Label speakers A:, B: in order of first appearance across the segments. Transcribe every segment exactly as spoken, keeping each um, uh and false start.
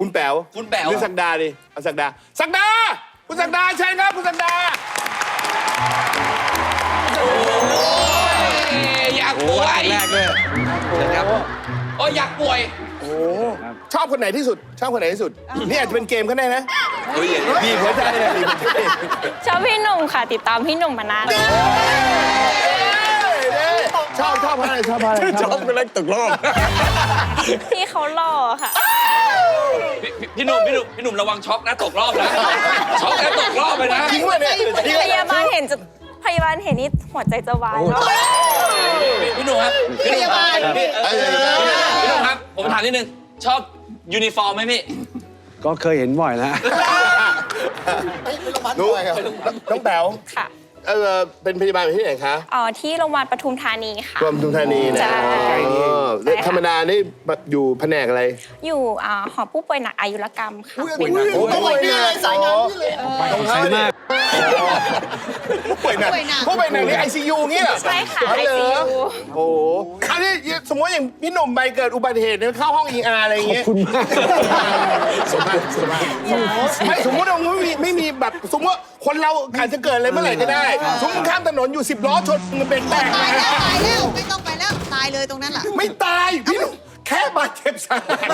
A: คุณแป๋ว
B: คุณแป๋ว
A: หรือศักดาดิเอาศักดาศักดาคุณศักดาเชิญครับคุณศักดา
B: อยากป่วย
C: แรกเลย
B: ครับโอ้ยอยากป่วย
A: โอ้ชอบคนไหนที่สุด ชอบคนไหนที่สุด นี่อาจจะเป็นเกมก็ได้นะ
B: เฮ้ย
A: บีบหัวใจเลยบีบหัวใจ
D: ชอบพี่หนุ่มค่ะ ติดตามพี่หนุ่มมานานแล้ว
A: ชอบชอบเพราะอะไรชอบเพราะอะไร
C: ชอบเป็นแรกตกรอบ
D: พี่เขาหล่อค่ะ
B: พี่หนุ่มพี่หนุ่มพี่หนุ่มระวังช็อกนะตกรอบนะช็อกแล้วตกรอบไปนะ
A: จริงป่ะเนี่ยจริง
D: พยาบาลเห็นจะพยาบาลเห็นนี่หัวใจจะวายแล้ว
B: พี่หนุ่มครับพี่หนุ่มครับพี่หนุ่มครับผมถามนิดนึงชอบยูนิฟอร์มไหมพี่
C: ก็เคยเห็นบ่อยแล้ว
A: รู้น้องแป๋ว
D: ค่ะ
A: เออเป็นพยาบาลอยู่ที่ไหนคะ
D: อ๋อที่โรงพยาบาลปทุมธานีค่ะ
A: รวมทุมธานีนะ
D: ใช่
A: อ๋อแล้วธรรมดานี่อยู่แผนกอะไร
D: อยู่อ่าหอผู้ป่วยหนักอายุรกรรมค่ะ
A: ป่วยหนักป่วยนี่เลยสายงานนี่เลยตรงเขาเนี่ยป่วยหนักผู้ป่วยหนักนี่ไอซียูเงี้ย
D: ใช่ค่ะ
A: อ๋อ
D: ไอ
A: เหร
D: ซี
A: อ
D: ยู
A: โอ้โหอันนี้สมมติอย่างพี่หนุ่มไปเกิดอุบัติเหตุเนี่ยเข้าห้อง อี อาร์ อะไรอย่างเงี้ย
C: คุณมาก
A: สมมติสมมติไม่สมมติว่าไม่มีไม่มีแบบสมมติว่าคนเราอาจจะเกิดอะไรเมื่อไหร่ก็ได้สมมติข้ามถนนอยู่สิบล้อชนมันเป็นแตก
E: ตายแล้วตายแล้วไม่ต้องไปแล้วตายเลยตรงนั้นแหละ
A: ไม่ตายพี่หนุ่มแค่บาดเจ็บสาหัส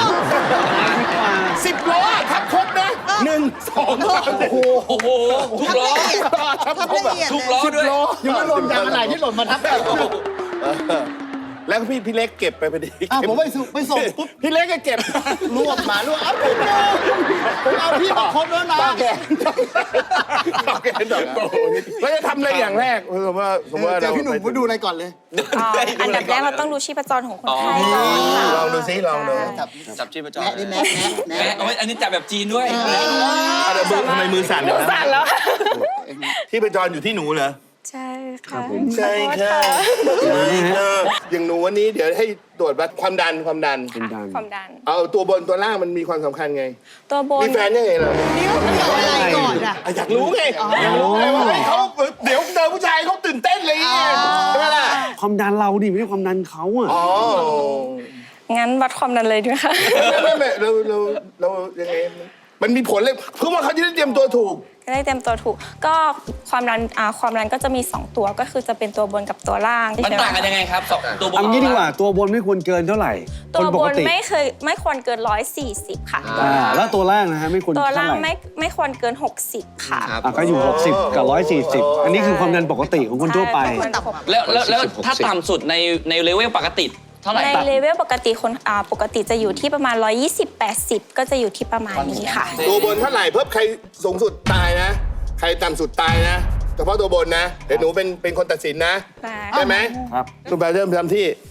A: สิบล้อทับครบนะหนึ่งสองสามโอ้โห
B: โอ้โหทุกล้อ
A: ทับครบ
E: ทำละ
A: แบบ
E: เอียด
B: ทุก
E: เลย
B: ล้อด้วย
F: ยังไม่รวมยางอะไรที่หล่นมาทับกัน
A: แล้วพี่พี่เล็กเก็บไปพอดี
F: อ่ะผมไปส่งไปส่งปุ๊บ
A: พี่เล็กก็เก็บ
F: รวบมารวบเอาพี่ดูผมเอาพี่มาครบแล้วนะ
A: ต่อแขนต่อแขนต่อโอ้โหเราจะทำอะไรอย่างแรกสมมติว่าสมมติว่า
F: เจอ
A: เรา
F: พี่หนุ่มผมดูอะไรก่อนเลย
D: อ่าอันดับแรกเราต้องดูชีพจรของคนไข้ก่อนค่ะ
A: ลองดูซิลองดู
F: จับ
B: จับชีพจร
F: แนะดิแนะแนะ
B: แหม
F: แนะ
B: เอาไว้อันนี้จับแบบจีนด้วย
A: อะไรมือทำไมมือสั่น
D: หนูสั่นแล้วค่ะ
A: ที่ประจรอยู่ที่หนูเหรอ
D: ใช่ค่ะ
A: ใช่ค่ะใช่ค่ะอย่างหนูวันนี้เดี๋ยวให้ตรวจวัดความดันความดัน
C: เป็นดัง
D: ความดัน
A: เอาตัวบนตัวล่างมันมีความสำคัญไง
D: ตัวบน
A: มีแฟนยังไงเหรอ
E: นิ้วมันเกี่ยวอะไรก่อนอ่ะ
A: อ่ะอยากรู้ไงอยากรู้ไงว่าเฮ้ยเขาเดี๋ยวเจอผู้ชายเขาตื่นเต้นเลยไงใช่ไหมล่ะ
C: ความดันเราดิไม่ใช่ความดันเขาอ่ะ
A: อ๋อ
D: งั้นวัดความดันเลยด้วยค่ะ
A: ไม่ไม่ไม่เราเราเรายังไงมันมีผลเลยเพื่อว่าเขาจะได้เตรียมตัวถูก
D: จะได้เต็มตัวถูก ก็ความดันอ่าความดันก็จะมี สอง ตัวก็คือจะเป็นตัวบนกับตัวล่าง
B: มันต่างกันยังไงครับสองตัวบน
C: เอางี้ดีกว่าตัวบนไม่ควรเกินเท่าไหร่
D: ตัว
C: คนป
D: บ
C: ก
D: น
C: ติ
D: ไม่เคยไม่ควรเกินร้อยสี่สิบค่ะ
C: อ่าแล้วตัวล่างนะฮะไม่ควร
D: ตัว
C: เท่า
D: ล่าง
C: ไหร่
D: ไม่ไม่ควรเกินหกสิบค่ะ
C: อ่ะก็อยู่ หกสิบ กับ หนึ่งร้อยสี่สิบ อันนี้คือความดันปกติของคนทั่วไป
D: ใช่ควรต่ำ
B: แล้วแล้วแล้วถ้าต่ำสุดในในเลเวลปกติเท่าไหร่
D: ใน
B: ครับ
D: เลเวลปกติคนอ่าปกติจะอยู่ที่ประมาณ หนึ่งร้อยยี่สิบ แปดสิบ ก็จะอยู่ที่ประมาณนี้ค่ะ
A: ตัวบนเท่าไหร่เพิ่มใครสูงสุดตายนะ ใครต่ำสุดตายนะเฉพาะตัวบนนะเดี๋ยวหนูเป็นเป็นคนตัดสินนะ
D: ได้
A: ได้ไหม
C: ครับ
A: คุณแปลเริ่มทำที่